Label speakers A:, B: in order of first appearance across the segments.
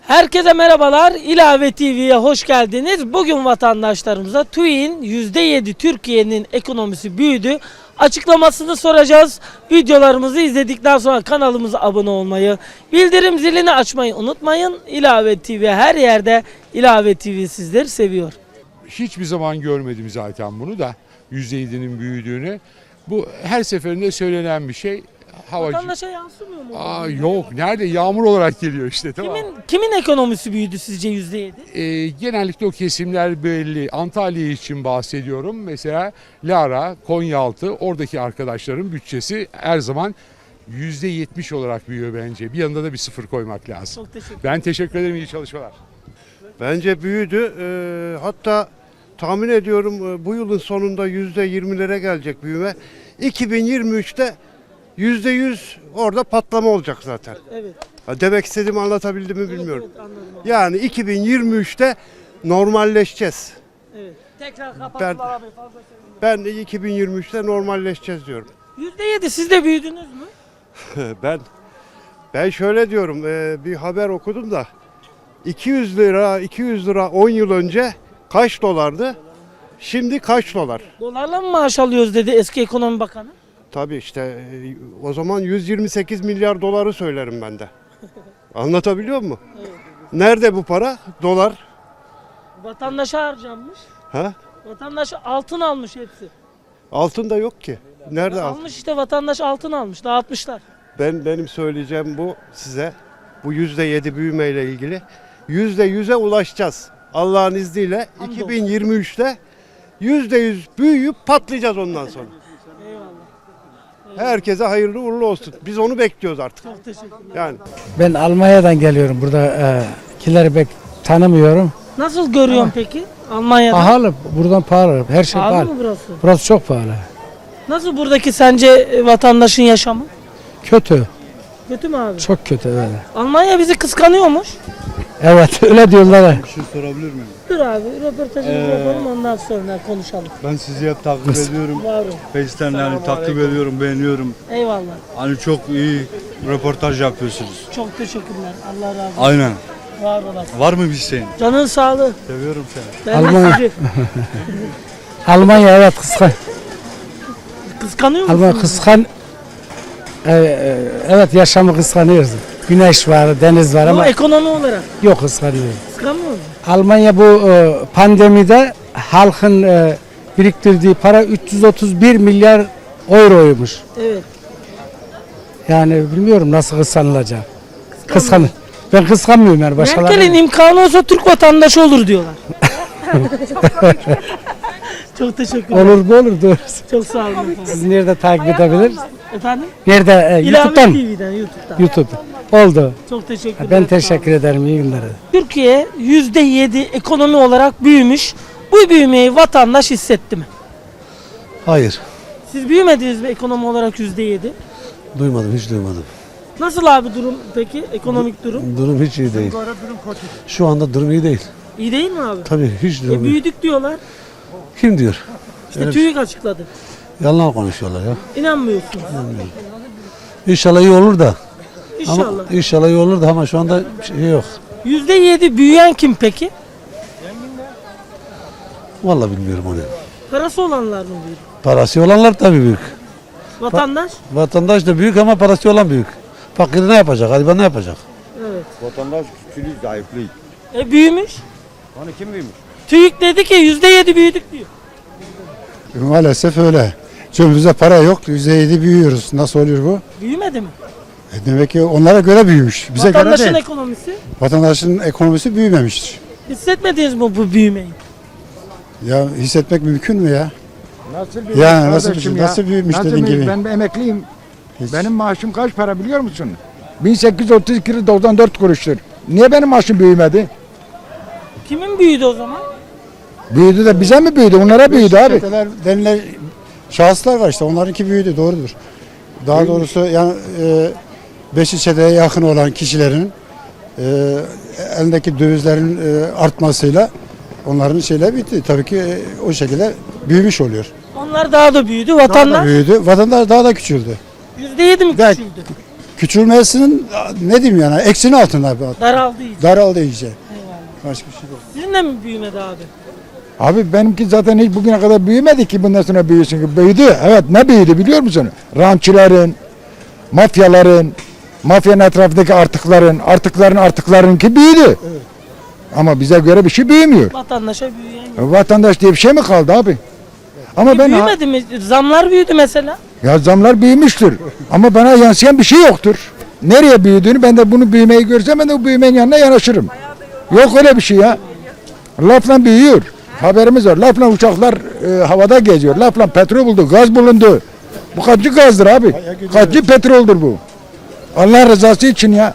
A: Herkese merhabalar. İlave TV'ye hoş geldiniz. Bugün vatandaşlarımıza TÜİK'in %7 Türkiye'nin ekonomisi büyüdü açıklamasını soracağız. Videolarımızı izledikten sonra kanalımıza abone olmayı, bildirim zilini açmayı unutmayın. İlave TV her yerde. İlave TV sizleri seviyor.
B: Hiçbir zaman görmedim zaten bunu da %7'nin büyüdüğünü. Bu her seferinde söylenen bir şey.
A: Vatandaşa yansımıyor mu?
B: Yok. Nerede? Yağmur olarak geliyor işte. Tamam.
A: Kimin ekonomisi büyüdü sizce %7?
B: Genellikle o kesimler belli. Antalya için bahsediyorum. Mesela Lara, Konyaaltı, oradaki arkadaşların bütçesi her zaman %70 olarak büyüyor bence. Bir yanında da bir sıfır koymak lazım.
A: Çok teşekkür ederim.
B: Ben teşekkür ederim. İyi çalışmalar.
C: Bence büyüdü. Hatta tahmin ediyorum bu yılın sonunda %20'lere gelecek büyüme. 2023'te %100 orada patlama olacak zaten.
A: Evet.
C: Demek istediğimi anlatabildim mi bilmiyorum.
A: Evet, anladım.
C: Yani 2023'te normalleşeceğiz.
A: Evet. Tekrar kapattılar abi, fazla söyleyeyim.
C: Ben 2023'te normalleşeceğiz diyorum.
A: %7 siz de büyüdünüz mü?
C: Ben şöyle diyorum, bir haber okudum da 200 lira 10 yıl önce kaç dolardı? Şimdi kaç dolar?
A: Dolarla mı maaş alıyoruz dedi eski ekonomi bakanı.
C: Tabii işte o zaman 128 milyar doları söylerim ben de. Anlatabiliyor muyum?
A: Evet.
C: Nerede bu para? Dolar.
A: Vatandaşa harcanmış.
C: Ha?
A: Vatandaş altın almış hepsi.
C: Altın da yok ki. Nerede altın?
A: Almış işte, vatandaş altın almış, dağıtmışlar.
C: Benim söyleyeceğim bu size. Bu %7 büyümeyle ilgili. %100'e ulaşacağız. Allah'ın izniyle
A: Hamdolsun.
C: 2023'te %100 büyüyüp patlayacağız ondan sonra.
A: Eyvallah.
C: Herkese hayırlı uğurlu olsun. Biz onu bekliyoruz artık.
A: Çok teşekkürler.
C: Yani
D: Ben Almanya'dan geliyorum. Buradakileri pek tanımıyorum.
A: Nasıl görüyorsun peki Almanya'da?
D: Pahalı. Buradan pahalı. Her şey
A: Pahalı
D: pahalı.
A: mı burası?
D: Burası çok pahalı.
A: Nasıl buradaki sence vatandaşın yaşamı?
D: Kötü.
A: Kötü mü abi?
D: Çok kötü böyle.
A: Almanya bizi kıskanıyormuş.
D: Evet öyle diyorlar.
E: Bir şey sorabilir miyim?
A: Dur abi, röportajımızı yapalım, ondan sonra konuşalım.
E: Ben sizi hep takip ediyorum.
A: Var olun.
E: Face'ten yani takip ediyorum, beğeniyorum.
A: Eyvallah.
E: Hani çok iyi röportaj yapıyorsunuz.
A: Çok teşekkürler. Allah razı olsun.
E: Aynen.
A: Var olasın.
E: Var mı bir şeyin?
A: Canın sağlığı.
E: Seviyorum seni.
A: Ben de
D: Almanya.
A: sizi
D: Almanya evet
A: kıskanıyor musun?
D: Almanya kıskan. Evet yaşamı kıskanıyoruz. Güneş var, deniz var
A: Ama
D: ama
A: ekonomi olarak
D: yok kıskanıyoruz.
A: kıskanmıyor musun?
D: Almanya bu pandemide halkın biriktirdiği para 331 milyar euroymuş.
A: Evet.
D: Yani bilmiyorum nasıl kıskanılacak. Kıskanır. Ben kıskanmıyorum yani başkaları.
A: Merkel'in imkanı olsa Türk vatandaşı olur diyorlar. Çok teşekkürler.
D: Olur mu olur doğrusu.
A: Çok sağ olun efendim.
D: Siz nerede takip edebilir?
A: Efendim?
D: Nerede?
A: İlave
D: YouTube'dan mı?
A: TV'den, YouTube'dan.
D: YouTube. Oldu.
A: Çok teşekkürler.
D: Ben
A: sağ olun.
D: teşekkür ederim. İyi günler.
A: Türkiye %7 ekonomi olarak büyümüş. Bu büyümeyi vatandaş hissetti mi?
F: Hayır,
A: Siz büyümediniz mi ekonomi olarak %7?
F: duymadım, hiç duymadım.
A: Nasıl abi durum peki? Ekonomik durum?
F: Durum hiç iyi değil. Şu anda durum iyi değil.
A: İyi değil mi abi?
F: Tabii hiç durum iyi.
A: Büyüdük diyorlar.
F: Kim diyor?
A: İşte
F: Öyle bir
A: TÜİK açıkladı.
F: Yalan konuşuyorlar ya.
A: İnanmıyorsunuz.
F: İnşallah iyi olur da.
A: İnşallah.
F: Ama inşallah iyi olur da ama şu anda şey yok.
A: %7 büyüyen kim peki?
F: Vallahi bilmiyorum onu.
A: Parası olanlar mı büyüdü?
F: Parası olanlar tabii büyük.
A: Vatandaş?
F: Vatandaş da büyük ama parası olan büyük. Fakir ne yapacak? Gariban ne yapacak?
A: Evet.
E: Vatandaş küçülüyor, zayıflıyor.
A: Büyümüş.
E: Hani kim büyümüş?
A: TÜİK dedi ki %7 büyüdük diyor.
G: Maalesef öyle. Cebimizde para yok. %7 büyüyoruz. Nasıl oluyor bu?
A: Büyümedi mi?
G: Demek ki onlara göre büyümüş. Bize göre
A: Vatandaşın
G: değil.
A: ekonomisi.
G: Vatandaşın ekonomisi büyümemiştir.
A: Hissetmediniz mi bu büyümeyi?
G: Ya hissetmek mümkün mü ya?
H: Nasıl büyümüş
G: Ya nasıl
H: kardeşim
G: bir- nasıl büyümüş
H: Nasıl
G: dediğin
H: büyümüş?
G: gibi?
H: Ben emekliyim.
G: Hiç.
H: Benim maaşım kaç para biliyor musun? 1832,94 kuruştur. Niye benim maaşım büyümedi?
A: Kimin büyüdü o zaman?
H: Büyüdü de bize mi büyüdü? Onlara büyüdü abi.
G: Çeteler denilen şahıslar var işte. Onlarınki büyüdü. Doğrudur. Daha doğrusu yani beşi çeteye yakın olan kişilerin elindeki dövizlerin artmasıyla onların şeyler bitti. Tabii ki o şekilde büyümüş oluyor.
A: Onlar daha da büyüdü.
G: Daha da
A: Vatandaş
G: büyüdü. Vatandaş daha da küçüldü.
A: %7 mi
G: Gel.
A: küçüldü?
G: Küçülmesinin ne diyeyim yani eksinin altında
A: Daraldığı için.
G: daraldı iyice.
A: Eyvallah.
G: Başka bir şey yok.
A: Sizin de mi büyümedi abi?
H: Abi benimki zaten hiç bugüne kadar büyümedi ki bundan sonra büyüsün ki. Büyüdü. Evet ne büyüdü biliyor musun? Rantçıların, mafyaların, mafyanın etrafındaki artıkların artıklarınki büyüdü. Ama bize göre bir şey büyümüyor.
A: Vatandaşa büyüyen yok.
H: Vatandaş diye bir şey mi kaldı abi? Ama ben
A: Büyümedi mi? Zamlar büyüdü mesela.
H: ya zamlar büyümüştür. Ama bana yansıyan bir şey yoktur. Nereye büyüdüğünü ben de bunu büyümeyi görsem ben de o büyümenin yanına yanaşırım. Yok öyle bir şey ya. Lafla büyüyor. Haberimiz var. Lafla uçaklar havada geziyor. Lafla petrol buldu, gaz bulundu. Bu kaçıncı gazdır abi? Kaçıncı petroldür bu? Allah rızası için ya.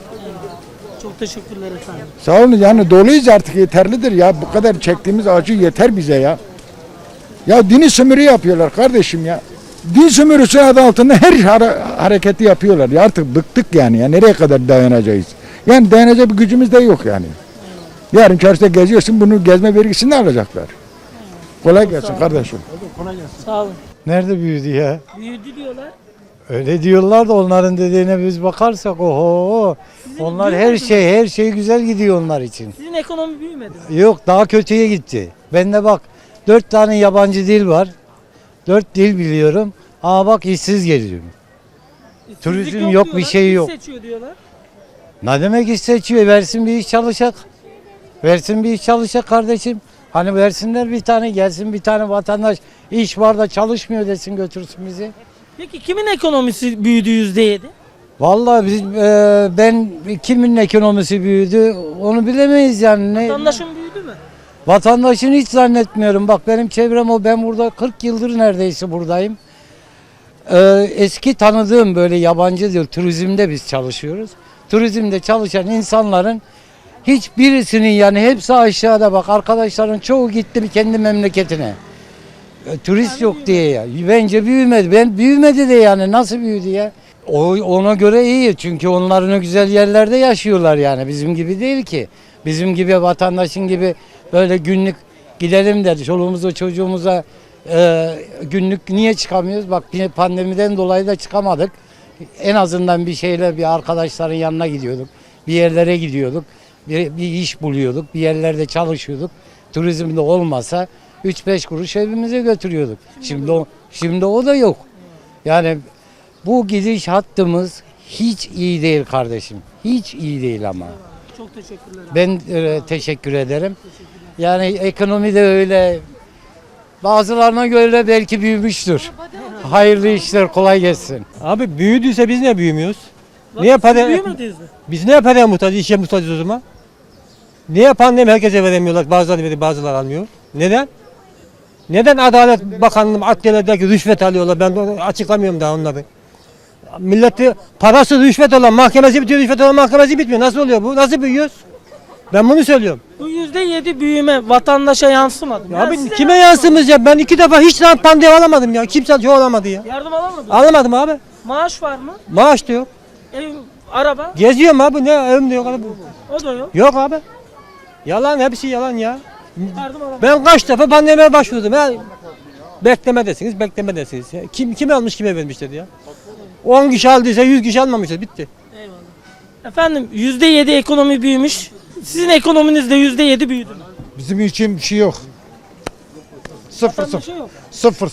A: Çok teşekkürler efendim.
H: Sağ olun yani doluyuz artık yeterlidir ya. Bu kadar çektiğimiz acı yeter bize ya. Ya dini sömürü yapıyorlar kardeşim ya. Din sömürüsü adı altında her hareketi yapıyorlar. Ya artık bıktık yani ya. Nereye kadar dayanacağız? Yani dayanacak bir gücümüz de yok yani. Yarın çarşıda geziyorsun bunu gezme vergisini de alacaklar. Kolay gelsin kardeşim.
A: Sağ olun.
I: Nerede büyüdü ya?
A: Büyüdü diyorlar.
I: Öyle diyorlar da onların dediğine biz bakarsak oho. Onlar her şey güzel gidiyor onlar için.
A: Sizin ekonomi büyümedi mi?
I: Yok daha kötüye gitti. Bende bak 4 tane yabancı dil var. 4 dil biliyorum. Ama bak işsiz geliyorum. Turizm
A: İşsizlik
I: yok,
A: diyorlar,
I: bir şey
A: iş
I: yok.
A: seçiyor diyorlar.
I: Ne demek iş seçiyor? Versin bir iş çalışacak. Versin bir iş çalışacak kardeşim. Hani versinler bir tane gelsin bir tane vatandaş iş var da çalışmıyor desin götürsün bizi.
A: Peki kimin ekonomisi büyüdü %7?
I: Vallahi ben kimin ekonomisi büyüdü onu bilemeyiz yani.
A: Vatandaşın büyüdü mü?
I: Vatandaşın hiç zannetmiyorum. Bak benim çevrem o. Ben burada 40 yıldır neredeyse buradayım. Eski tanıdığım böyle yabancı değil. Turizmde biz çalışıyoruz. Turizmde çalışan insanların hiçbirisinin yani hepsi aşağıda bak. Arkadaşların çoğu gitti kendi memleketine. Turist yok diye ya. Bence büyümedi. Ben büyümedi de yani nasıl büyüdü ya? Ona göre iyi çünkü onların o güzel yerlerde yaşıyorlar yani bizim gibi değil ki. Bizim gibi vatandaşın gibi böyle günlük gidelim de çoluğumuza çocuğumuza günlük niye çıkamıyoruz? Bak pandemiden dolayı da çıkamadık. En azından bir şeyle bir arkadaşların yanına gidiyorduk. Bir yerlere gidiyorduk. Bir iş buluyorduk. Bir yerlerde çalışıyorduk. Turizmde olmasa 3-5 kuruş evimize götürüyorduk. Şimdi o da yok. Yani bu gidiş hattımız hiç iyi değil kardeşim. Hiç iyi değil ama.
A: Çok teşekkürler.
I: Ben teşekkür ederim. Yani ekonomi de öyle bazılarına göre belki büyümüştür. Hayırlı işler kolay gelsin.
J: Abi büyüdüyse biz niye büyümüyoruz?
A: Bak,
J: Niye
A: siz
J: para-
A: büyümediniz mi?
J: Biz niye paraya muhtaç, işe muhtacız o zaman? Niye pandemi herkese veremiyorlar, bazıları veriyor, bazıları almıyor? Neden? Neden Adalet Bakanlığı adliyelerdeki rüşvet alıyorlar? Ben açıklamıyorum daha onları. Milleti parası rüşvet olan mahkemesi bitiyor, rüşvet olan mahkemesi bitmiyor. Nasıl oluyor bu? Nasıl büyüyoruz? Ben bunu söylüyorum.
A: Bu %7 büyüme vatandaşa yansımadı.
J: Ya
A: Yani
J: abi
A: size
J: kime
A: yansımadı.
J: yansımış ya? Ben 2 defa hiç pandemi alamadım ya. Kimse çoğu alamadı ya.
A: Yardım alamadın mı?
J: Alamadım abi.
A: Maaş var mı?
J: Maaş da yok.
A: Ev, araba?
J: Geziyorum abi, ne evim de yok abi.
A: O da yok.
J: Yok abi. Yalan, hepsi yalan ya.
A: Yardım alamadın.
J: Ben kaç defa pandemiye başvurdum ya. Beklemedesiniz, beklemedesiniz. Ya. Kim almış, kime vermiş dedi ya. 10 kişi aldıysa 100 kişi almamıştır, bitti.
A: Eyvallah. Efendim %7 ekonomi büyümüş. Sizin ekonominiz de %7 büyüdü mü?
H: Bizim için bir şey yok. Sıfır
A: Vatandaşa yok.
H: Sıfır.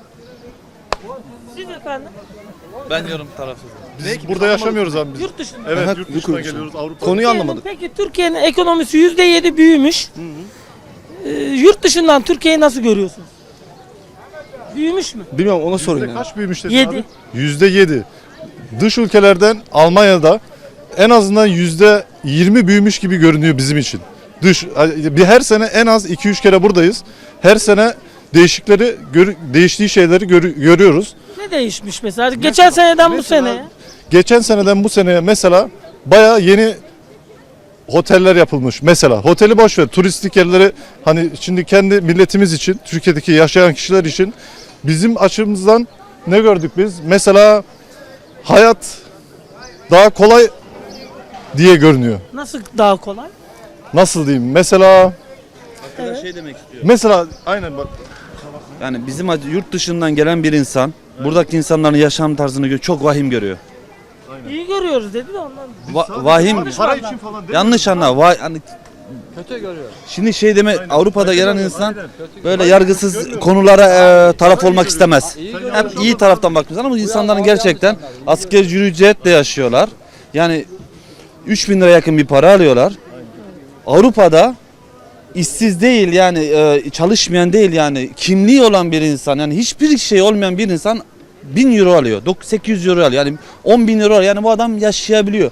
A: Siz efendim
K: Ben yorum tarafsızım.
E: Biz burada yaşamıyoruz abi biz.
A: yurt dışında.
E: Evet, yurt dışına geliyoruz. Avrupa.
K: Konuyu anlamadık.
A: Peki Türkiye'nin ekonomisi %7 büyümüş. Yurt dışından Türkiye'yi nasıl görüyorsunuz? Büyümüş mü?
K: Bilmiyorum, ona sorun ya.
E: Kaç büyümüş dedin
A: 7.
E: abi? %7. Dış ülkelerden Almanya'da en azından %20 büyümüş gibi görünüyor bizim için. Bir her sene en az 2-3 kere buradayız. Her sene değiştiği şeyleri görüyoruz.
A: Ne değişmiş mesela? Geçen seneden bu seneye.
E: Geçen seneden bu seneye mesela bayağı yeni oteller yapılmış. Mesela oteli boş ver, turistik yerleri hani şimdi kendi milletimiz için, Türkiye'deki yaşayan kişiler için bizim açımızdan ne gördük biz? Mesela hayat daha kolay diye görünüyor.
A: Nasıl daha kolay?
E: Nasıl diyeyim? Mesela
A: Evet.
K: Demek istiyor.
E: mesela aynen bak.
K: Yani bizim yurt dışından gelen bir insan buradaki insanların yaşam tarzını çok vahim görüyor.
A: İyi görüyoruz dedi de ondan.
K: Vahim.
E: Para için falan değil.
K: Yanlış anla. Hani
F: Kötü görüyor.
K: şimdi şey deme, Avrupa'da gelen insan böyle yargısız konulara taraf olmak istemez. Hep iyi taraftan bakıyoruz ama bu insanların gerçekten asgari ücretle yaşıyorlar. Yani 3.000 lira yakın bir para alıyorlar. Avrupa'da işsiz değil yani çalışmayan değil yani kimliği olan bir insan yani hiçbir şey olmayan bir insan 1000 euro alıyor. 800 euro alıyor. Yani 10.000 euro alıyor. Yani bu adam yaşayabiliyor.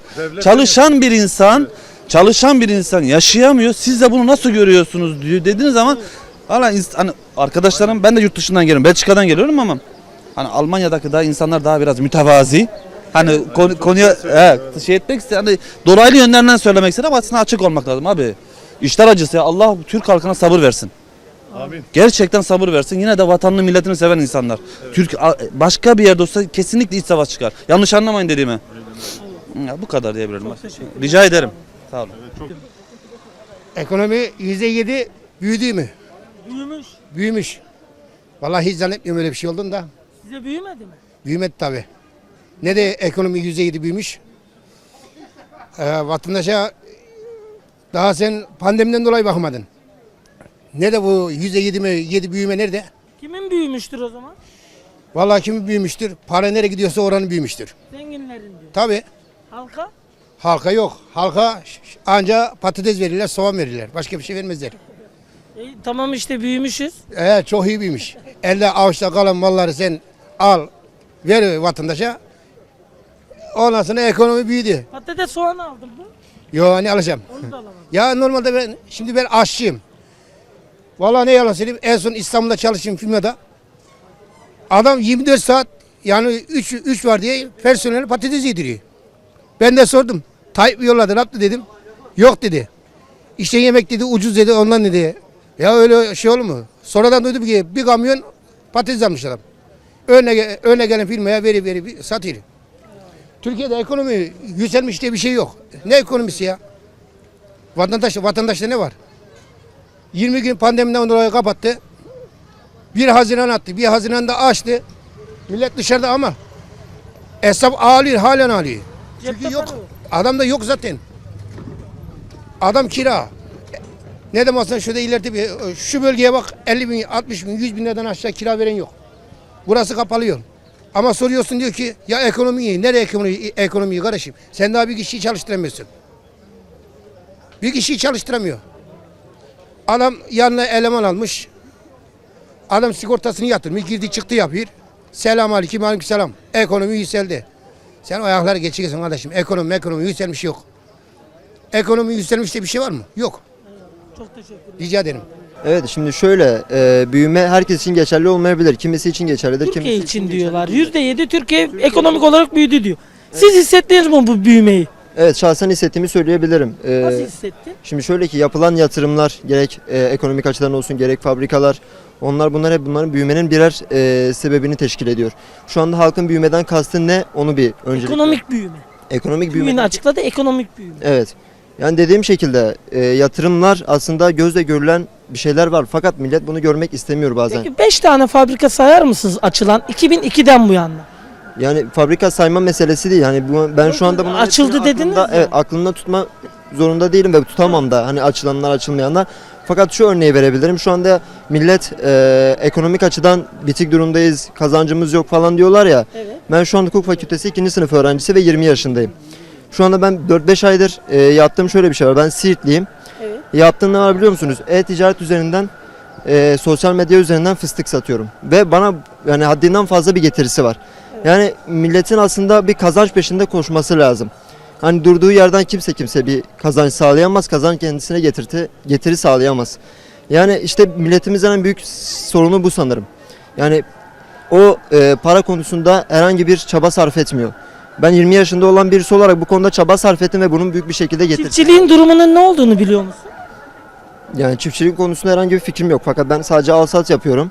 K: Çalışan bir insan yaşayamıyor. Siz de bunu nasıl görüyorsunuz diyor dediğiniz zaman valla hani arkadaşlarım ben de yurt dışından geliyorum. Belçika'dan geliyorum ama hani Almanya'daki daha insanlar daha biraz mütevazi. Hani konuya şey etmek istedim. Hani dolaylı yönlerinden söylemek istedim ama aslında açık olmak lazım abi. İşler acısı ya. Allah Türk halkına sabır versin.
E: Amin.
K: Gerçekten sabır versin. Yine de vatanını milletini seven insanlar. Başka bir yerde olsa kesinlikle iç savaş çıkar. Yanlış anlamayın dediğimi. Ya, bu kadar diyebilirim. Rica ederim. Sağ olun.
L: Ekonomi %7 büyüdü mü?
A: Büyümüş.
L: Büyümüş. Vallahi hiç zannetmiyorum öyle bir şey olduğunu da.
A: Size büyümedi mi?
L: Büyümedi tabii. Ne de ekonomi %7 büyümüş. Vatandaşa daha sen pandemiden dolayı bakmadın. Ne de bu %7 mi 7 büyüme nerede?
A: Kimin büyümüştür o zaman?
L: Vallahi kimin büyümüştür? Para nereye gidiyorsa oranın büyümüştür.
A: Zenginlerin diyor.
L: Tabii.
A: Halka?
L: Halka yok. Halka anca patates verirler, soğan verirler. Başka bir şey vermezler.
A: Tamam işte büyümüşüz.
L: Çok iyi büyümüş. Elde avuçta kalan malları sen al, ver vatandaşa. Ondan sonra ekonomi büyüdü.
A: Patates soğan aldım mı?
L: Yo hani alacağım.
A: Onu da alamam.
L: Ya normalde şimdi ben aşçıyım. Vallahi ne yalan söyleyeyim en son İstanbul'da çalıştığım firmada adam 24 saat yani 3 var diye personeli patates yediriyor. Ben de sordum. Tayyip yolladı ne yaptı dedim. Yok dedi. İşte yemek dedi ucuz dedi ondan dedi. Ya öyle şey olur mu? Sonradan duydum ki bir kamyon patates almış adam. Önüne gelen firmaya veri satıyor. Türkiye'de ekonomi yükselmiş diye bir şey yok. Ne ekonomisi ya? Vatandaşta ne var? 20 gün pandemiden dolayı kapattı. 1 Haziran attı. 1 Haziran'da açtı. Millet dışarıda ama hesap ağlıyor, halen ağlıyor. Çünkü
A: Cepte
L: yok.
A: para yok.
L: Adam da yok zaten. Adam kira. Ne demezsen şurada ileride şu bölgeye bak 50 bin, 60 bin, 100 bin liradan aşağı kira veren yok. Burası kapalıyor. Ama soruyorsun diyor ki ya ekonomi iyi. Nereye ekonomiyi kardeşim? Sen daha bir kişiyi çalıştıramıyorsun. Bir kişiyi çalıştıramıyor. Adam yanına eleman almış. Adam sigortasını yatırmış. Girdi çıktı yapıyor. Selam aleyküm aleyküm selam. Ekonomi yükseldi. Sen o ayakları geçiyorsun kardeşim. Ekonomi yükselmiş yok. Ekonomi yükselmiş diye bir şey var mı? Yok.
A: Çok teşekkür ederim.
L: Rica ederim.
M: Evet şimdi şöyle büyüme herkes için geçerli olmayabilir. Kimisi için geçerlidir.
A: Türkiye
M: kimisi
A: için diyorlar. %7 Türkiye ekonomik olarak büyüdü diyor. Siz hissettiniz mi bu büyümeyi?
M: Evet şahsen hissettiğimi söyleyebilirim.
A: Nasıl hissettin?
M: Şimdi şöyle ki yapılan yatırımlar gerek ekonomik açıdan olsun gerek fabrikalar bunlar hep bunların büyümenin birer sebebini teşkil ediyor. Şu anda halkın büyümeden kastı ne onu bir öncelikle.
A: Ekonomik büyüme.
M: Ekonomik büyüme.
A: Büyümeyi açıkladı ekonomik büyüme.
M: Evet. Yani dediğim şekilde yatırımlar aslında gözle görülen bir şeyler var fakat millet bunu görmek istemiyor bazen.
A: Peki 5 tane fabrika sayar mısınız açılan 2002'den bu yana?
M: Yani fabrika sayma meselesi değil. Hani ben şu anda bunu
A: Açıldı dediniz ya.
M: Evet, aklımda tutma zorunda değilim ve tutamam da hani açılanlar açılmayanlar. Fakat şu örneği verebilirim. Şu anda millet ekonomik açıdan bitik durumdayız, kazancımız yok falan diyorlar ya.
A: Evet.
M: Ben şu anda hukuk fakültesi 2. sınıf öğrencisi ve 20 yaşındayım. Şu anda ben 4-5 aydır yaptığım şöyle bir şey var. Ben Siirtliyim.
A: Evet.
M: Yaptığım ne var biliyor musunuz? E-ticaret üzerinden sosyal medya üzerinden fıstık satıyorum. Ve bana yani haddinden fazla bir getirisi var. Yani milletin aslında bir kazanç peşinde koşması lazım. Hani durduğu yerden kimse bir kazanç sağlayamaz. Kazanç kendisine getiri sağlayamaz. Yani işte milletimizin en büyük sorunu bu sanırım. Yani o para konusunda herhangi bir çaba sarf etmiyor. Ben 20 yaşında olan birisi olarak bu konuda çaba sarf ettim ve bunun büyük bir şekilde getirdim.
A: Çiftçiliğin durumunun ne olduğunu biliyor musun?
M: Yani çiftçilik konusunda herhangi bir fikrim yok. Fakat ben sadece al-sat yapıyorum.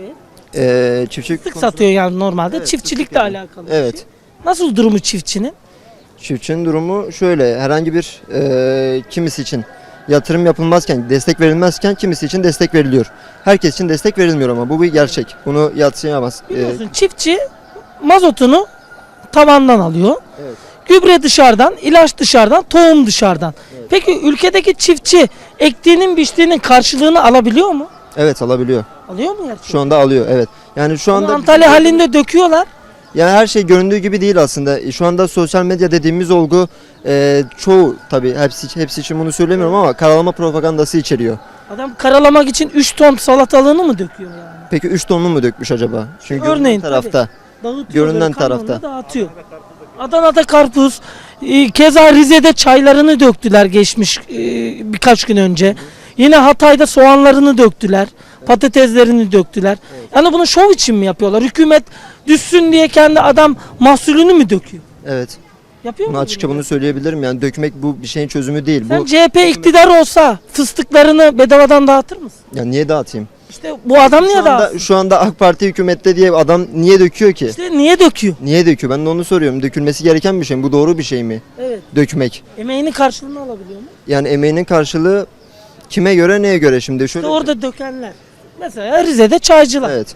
A: Evet.
M: Çiftçilik
A: Fıstık satıyor yani normalde.
M: Evet,
A: Çiftçilikle alakalı bir
M: Evet.
A: şey. Nasıl durumu çiftçinin?
M: Çiftçinin durumu şöyle, herhangi bir kimisi için yatırım yapılmazken, destek verilmezken kimisi için destek veriliyor. Herkes için destek verilmiyor ama bu bir gerçek. Bunu yadsıyamaz.
A: Biliyorsun çiftçi mazotunu tavandan alıyor.
M: Evet.
A: Gübre dışarıdan, ilaç dışarıdan, tohum dışarıdan. Peki ülkedeki çiftçi ektiğinin biçtiğinin karşılığını alabiliyor mu?
M: Evet, alabiliyor.
A: Alıyor mu gerçekten?
M: Şu anda alıyor, evet. Yani şu
A: Ama
M: anda
A: Antalya halinde döküyorlar.
M: yani her şey göründüğü gibi değil aslında. Şu anda sosyal medya dediğimiz olgu çoğu, tabii hepsi için bunu söylemiyorum ama karalama propagandası içeriyor.
A: Adam karalamak için 3 ton salatalığını mı döküyor yani?
M: Peki 3 tonlu mu dökmüş acaba? Çünkü
A: Örneğin,
M: görünen tarafta.
A: Dağıtıyor,
M: Görünen
A: böyle kamyonla
M: tarafta.
A: dağıtıyor. Adana'da karpuz, keza Rize'de çaylarını döktüler geçmiş birkaç gün önce. Yine Hatay'da soğanlarını döktüler, patateslerini döktüler. Yani bunu şov için mi yapıyorlar? Hükümet düşsün diye kendi adam mahsulünü mü döküyor?
M: Evet.
A: Yapıyor
M: Bunu
A: mu?
M: açıkça bunu söyleyebilirim. Yani dökmek bu bir şeyin çözümü değil.
A: Sen
M: Bu
A: CHP iktidar olsa fıstıklarını bedavadan dağıtır mısın?
M: ya niye dağıtayım?
A: İşte bu adam niye dağıtsın?
M: Şu anda AK Parti hükümette diye adam niye döküyor ki?
A: İşte niye döküyor?
M: Niye döküyor? Ben de onu soruyorum. Dökülmesi gereken bir şey mi? Bu doğru bir şey mi?
A: Evet.
M: Dökmek.
A: Emeğinin karşılığını alabiliyor mu?
M: Yani emeğinin karşılığı kime göre, neye göre şimdi? Şöyle
A: İşte orada dökenler. Mesela Rize'de çaycılar.
M: Evet.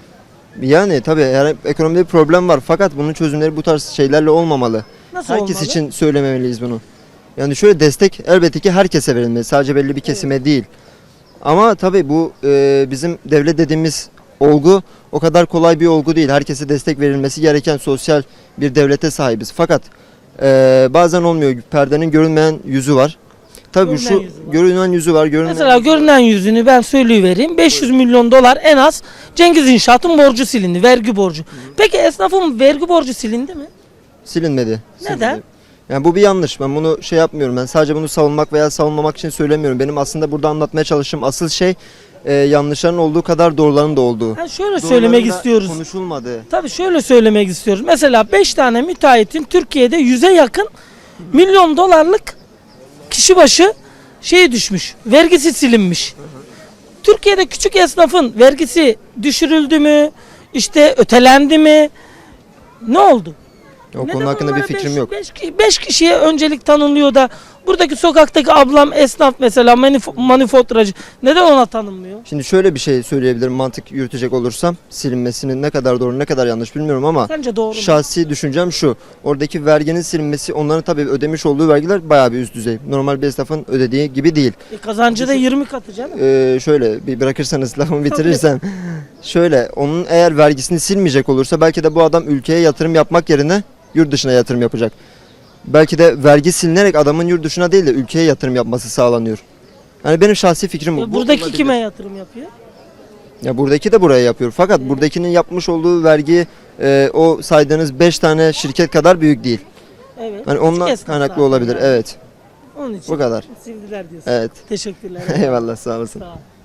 M: Yani tabii ekonomide bir problem var fakat bunun çözümleri bu tarz şeylerle olmamalı.
A: Nasıl
M: Herkes
A: olmalı?
M: için söylememeliyiz bunu. Yani şöyle, destek elbette ki herkese verilmeli. Sadece belli bir kesime değil. Ama tabii bu bizim devlet dediğimiz olgu o kadar kolay bir olgu değil. Herkese destek verilmesi gereken sosyal bir devlete sahibiz. Fakat bazen olmuyor. Perdenin görünmeyen yüzü var. Tabii
A: Görünen
M: şu
A: yüzü var.
M: görünen yüzü var. Görünen
A: Mesela görünen yüzünü ben söyleyivereyim. 500 milyon dolar en az Cengiz İnşaat'ın borcu silindi. Vergi borcu. Peki esnafın vergi borcu silindi mi?
M: silinmedi.
A: Neden?
M: Silinmedi. Yani bu bir yanlış. Ben bunu şey yapmıyorum. Ben sadece bunu savunmak veya savunmamak için söylemiyorum. Benim aslında burada anlatmaya çalıştığım asıl şey yanlışların olduğu kadar doğruların da olduğu.
A: Yani şöyle söylemek
M: Doğruların da
A: istiyoruz.
M: konuşulmadı.
A: Tabii şöyle söylemek istiyoruz. Mesela 5 tane müteahhitin Türkiye'de 100'e yakın milyon dolarlık kişi başı düşmüş. Vergisi silinmiş. Türkiye'de küçük esnafın vergisi düşürüldü mü? İşte ötelendi mi? Ne oldu?
M: O konu hakkında bir fikrim yok.
A: 5 kişiye öncelik tanınıyor da buradaki sokaktaki ablam esnaf mesela manifaturacı neden ona tanınmıyor?
M: Şimdi şöyle bir şey söyleyebilirim, mantık yürütecek olursam. Silinmesinin ne kadar doğru ne kadar yanlış bilmiyorum ama
A: Sence doğru mu?
M: şahsi düşüncem şu. Oradaki verginin silinmesi, onların tabii ödemiş olduğu vergiler bayağı bir üst düzey. Normal bir esnafın ödediği gibi değil.
A: Kazancı da 20 katı canım.
M: Şöyle bir bırakırsanız lafımı bitirirsem. Şöyle, onun eğer vergisini silmeyecek olursa belki de bu adam ülkeye yatırım yapmak yerine yurt dışına yatırım yapacak. Belki de vergi silinerek adamın yurt dışına değil de ülkeye yatırım yapması sağlanıyor. Yani benim şahsi fikrim bu. Bu
A: Buradaki
M: olabilir.
A: kime yatırım yapıyor?
M: Ya buradaki de buraya yapıyor. Fakat buradakinin yapmış olduğu vergi o saydığınız 5 tane şirket kadar büyük değil.
A: Evet.
M: Yani ondan
A: Küçük esnaf
M: kaynaklı
A: zaten
M: olabilir.
A: yani.
M: Evet.
A: Onun için
M: Bu kadar.
A: sildiler diyorsun.
M: Evet.
A: Teşekkürler.
M: Eyvallah, sağ olasın.
A: Sağ ol.